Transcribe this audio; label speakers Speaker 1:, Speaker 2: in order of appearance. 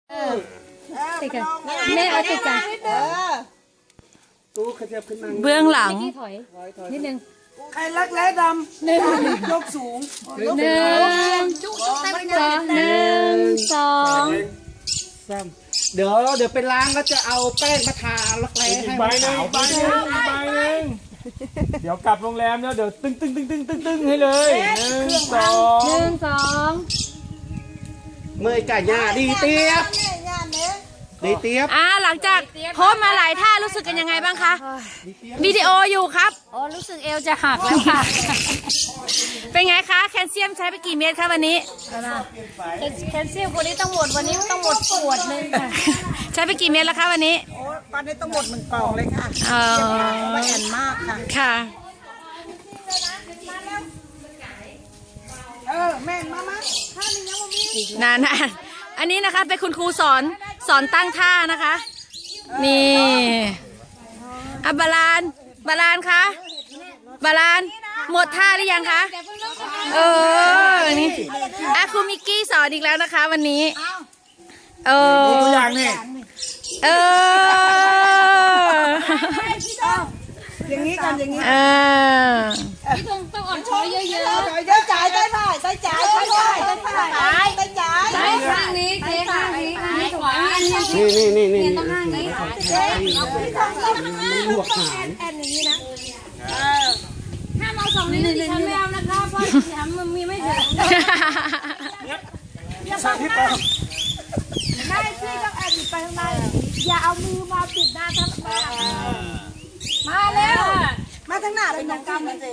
Speaker 1: ติดกันแม่เอาติดกัน
Speaker 2: ตู้ขยับขึ้นมา
Speaker 3: เบื้องหลัง
Speaker 1: ถอยนิดนึง
Speaker 2: ใครรักแร้ดำหนึ่งยกสูง
Speaker 1: หนึ่งสอง
Speaker 2: เดี๋ยวไปล้างก็จะเอาแป้งมาทารักแร้ให้มันขาว
Speaker 4: ใบหนึ่งเดี๋ยวกลับโรงแรมแล้วเดี๋ยวตึ้งให้เลยหนึ่งสอง
Speaker 2: เมื่อยก่ย่าดีเตียบดีเตียบ
Speaker 3: หลังจากโพสต์มาหลายท่ารู้สึกกันยังไงบ้างคะวิดีโออยู่ครับ
Speaker 1: อ๋อรู้สึกเอวจะหักแล้วค่ะ
Speaker 3: เป็นไงคะแคลเซียมใช้ไปกี่เม็ดคะวันนี้
Speaker 1: แคลเซียมวันนี้ต้องหมดขวดนึงค่ะ
Speaker 3: ใช้ไปกี่เม็ดแล้วคะวันนี้
Speaker 2: โอ้ตอนนี้ต้องหมด1 กล่องเลยค่ะ
Speaker 3: ไม่
Speaker 2: แอนมากค่ะ
Speaker 3: ค่ะ
Speaker 2: แม่งมา
Speaker 3: นานอันนี้นะคะเป็นคุณครูสอนตั้งท่านะคะ นี่บาลานคะบาลานหมดท่าหรือยังคะนี่ครูมิกกี้สอนอีกแล้วนะคะวันนี้
Speaker 4: ตัวอย่างนี่
Speaker 2: อย่างนี้กันอย่างนี้
Speaker 1: พี่ต้องอ่อนช้อยเยอะๆ
Speaker 2: ได้จ่ายได้ผ่ายได้จ่ายได้จ่ายได้ผ่ายได้จ่าย
Speaker 1: ได้ข้างนี้เทข้างนี้ขวา
Speaker 2: นี่
Speaker 1: ต้องข้างนี้
Speaker 2: ลวกหาง
Speaker 1: ถ้ามาสองนี้ดิฉันไม่เอานะคะเพราะฉันมันมีไม่ถึง
Speaker 4: ใส่ที่ปาก
Speaker 1: ได้ที่ต้องแอบไปข้างในอย่าเอามือมาปิดหน้าทั้งมาเร็ว
Speaker 2: มาทั้งหน้าเป็นน้องกำ